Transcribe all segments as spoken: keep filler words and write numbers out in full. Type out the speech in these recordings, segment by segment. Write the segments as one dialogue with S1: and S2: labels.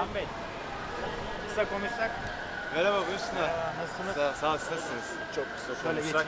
S1: Can Bey, kısa konuşsak.
S2: Merhaba, buyursunlar.
S1: Merhaba, nasılsınız?
S2: Sağ, sağ ol, siz nasılsınız?
S1: Çok kısa
S2: Şöyle
S1: konuşsak.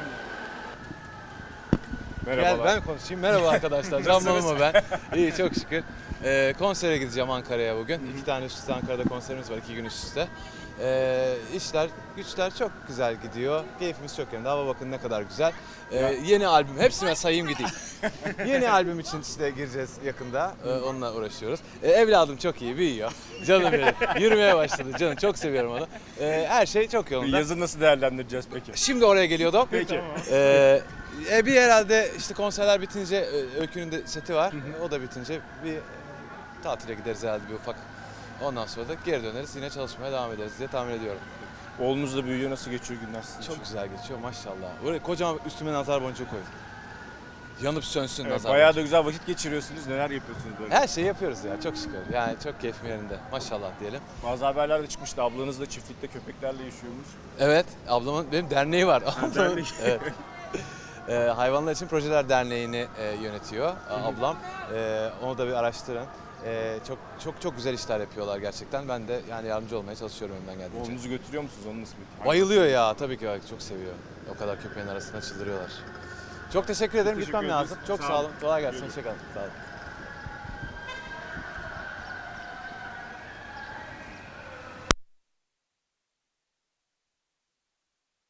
S2: Gel ben konuşayım. Merhaba arkadaşlar. Can Bonomo ben. İyi, çok şükür. Ee, konsere gideceğim Ankara'ya bugün. Hı-hı. İki tane üst üste Ankara'da konserimiz var, iki gün üst üste. Ee, işler, güçler çok güzel gidiyor. Keyfimiz çok yerinde. Hava bakın ne kadar güzel. Ee, yeni albüm, hepsine sayayım gideyim. Yeni albüm için işte gireceğiz yakında. Ee, onunla uğraşıyoruz. Ee, evladım çok iyi, büyüyor. Canım benim. Yürümeye başladı canım. Çok seviyorum onu. Ee, her şey çok yolunda.
S3: Yazı nasıl değerlendireceğiz peki?
S2: Şimdi oraya geliyordum.
S3: Peki.
S2: Ee, e, bir herhalde işte konserler bitince e, Öykü'nün de seti var. Hı hı. O da bitince bir e, tatile gideriz herhalde bir ufak. Ondan sonra da geri döneriz. Yine çalışmaya devam ederiz diye tahmin ediyorum.
S3: Oğlunuz da büyüyor. Nasıl geçiyor günler sizin için?
S2: Çok güzel geçiyor maşallah. Böyle kocaman üstüme nazar boncuğu koyun. Yanıp sönsün
S3: Evet,
S2: nazar
S3: bayağı
S2: boncuğu.
S3: da güzel vakit geçiriyorsunuz. Neler yapıyorsunuz böyle?
S2: Her şeyi yapıyoruz ya çok şükür. Yani çok keyfim yerinde maşallah diyelim.
S3: Bazı haberler de çıkmıştı. Ablanız da çiftlikte köpeklerle yaşıyormuş.
S2: Evet, ablamın benim derneği var.
S3: dernek.
S2: Evet. Ee, Hayvanlar için Projeler Derneği'ni e, yönetiyor ablam. Ee, onu da bir araştırın. Ee, çok çok çok güzel işler yapıyorlar gerçekten. Ben de yani yardımcı olmaya çalışıyorum elimden geldiğince.
S3: Oğlunuzu götürüyor musunuz? Onu nasıl bir...
S2: Bayılıyor ya tabii ki çok seviyor. O kadar köpeğin arasında çıldırıyorlar. Çok teşekkür ederim.
S3: teşekkür
S2: Gitmem
S3: ederiz.
S2: lazım. Çok
S3: Sağ
S2: sağ
S3: olun.
S2: olun. Kolay gelsin. Hoşçakalın. Sağ olun.